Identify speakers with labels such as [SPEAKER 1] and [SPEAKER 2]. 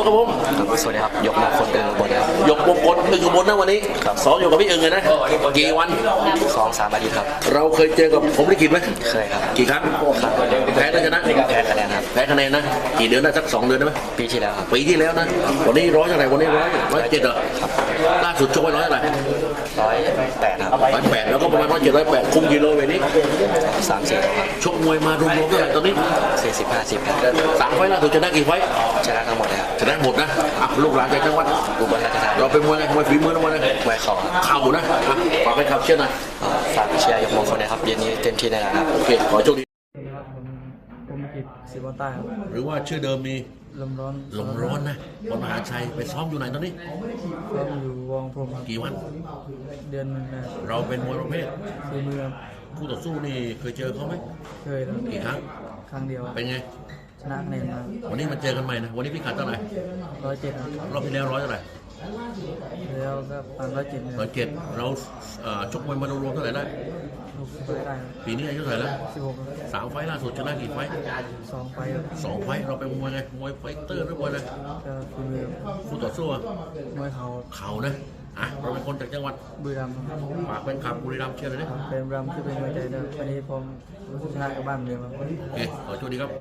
[SPEAKER 1] ตัวครับผม
[SPEAKER 2] ครับสวัสดีครับยกมงคลอึ่งอุบลครับ
[SPEAKER 1] ยกมงคลอึ่งอุบลนะวันนี้ซ้อมอยู่กับพี่อึ่งเลยนะกี่วัน
[SPEAKER 2] 2-3 อาทิตย์ครับ
[SPEAKER 1] เราเคยเจอกับผมลิขิตไหม
[SPEAKER 2] เคยครับ
[SPEAKER 1] กี่ครั้งแพ้แล้วชนะ
[SPEAKER 2] แพ้คะแนนครับ
[SPEAKER 1] แพ้คะแนนนะกี่เดือนได้สัก2 เดือนได้ไหม
[SPEAKER 2] ปีที่แล้วครับ
[SPEAKER 1] ปีที่แล้วนะวันนี้ร้อยเท่าไหร่วันนี้107เหรอล่าสุดชกไว้ร้อยเท่าไหร่
[SPEAKER 2] 108ครับ
[SPEAKER 1] 108แล้วก็ประมาณ107 108คุมกิโลเวทนี้
[SPEAKER 2] 3-4ครับ
[SPEAKER 1] ชกมวยมารวมๆเท่าไหร่ตอนนี้
[SPEAKER 2] 40-50ครับ
[SPEAKER 1] 3 ไฟล์ล่าสุดชนะกี่ไฟล์
[SPEAKER 2] ชนะทั้งหมดเลยครับ
[SPEAKER 1] ชนะหมดนะลูกหลานจากจังหวัด
[SPEAKER 2] อุบลราชธานี
[SPEAKER 1] เราเป็นมวยไงมวยฝีมือนะมวย
[SPEAKER 2] มวยเข่า
[SPEAKER 1] เข่านะฝากให้ขับเชื่อหน่อย
[SPEAKER 2] ฝากเชียร์ยกมงคลนะครับเย็นนี้เต็มที่แน่นอนครับ
[SPEAKER 1] โอเคขอโชคดี
[SPEAKER 3] ครับผมกิจศิวะใต้ครับ
[SPEAKER 1] หรือว่าชื่อเดิมมี
[SPEAKER 3] ลมร้อน
[SPEAKER 1] นะบนมหาชัยไปซ้อมอยู่ไหนตอนนี้
[SPEAKER 3] ก็อยู่วงพรมครับ
[SPEAKER 1] กี่วัน
[SPEAKER 3] เดือนหนึ่งนะ
[SPEAKER 1] เราเป็นมวยประเภท
[SPEAKER 3] ฝีมือครับ
[SPEAKER 1] คู่ต่อสู้นี่เคยเจอเขาไหม
[SPEAKER 3] เคยแล้ว
[SPEAKER 1] กี่ครั้ง
[SPEAKER 3] ครั้งเดียว
[SPEAKER 1] เป็นไง
[SPEAKER 3] ชนะคะแนนมา
[SPEAKER 1] วันนี้มาเจอกันใหม่นะวันนี้พี่ขัดเท่าไหร่
[SPEAKER 3] 107ครับ
[SPEAKER 1] รอบที่แล้ว100เท่าไหร่
[SPEAKER 3] แล้วก็ปัน
[SPEAKER 1] 107เราชกมวยมารวมๆเท่าไหร่ได้
[SPEAKER 3] 60ได้
[SPEAKER 1] ปีนี้อายุเท่าไหร่แล้ว
[SPEAKER 3] 16
[SPEAKER 1] 3 ไฟล์ล่าสุดชนะกี่ไฟล์
[SPEAKER 3] 2 ไฟ
[SPEAKER 1] 2 ไฟล์เราเป็นมวยไงมวยไฟเตอร์หรือมวยอะไร
[SPEAKER 3] ก็ฝีมือ
[SPEAKER 1] คู่ต่อสู้
[SPEAKER 3] มวย
[SPEAKER 1] เข่านะเราเป็นคนจากจังหวัด
[SPEAKER 3] บุรีรัมย์
[SPEAKER 1] ฝากเป็นขับบุรีรัมย์เชียร์เลยนะ
[SPEAKER 3] เป็นบุรีรัมย์ที่เป็นมวยใจเดิมวันนี้ผมชนะกับบ้านเมืองครับ
[SPEAKER 1] โอเคขอโชคดีครับ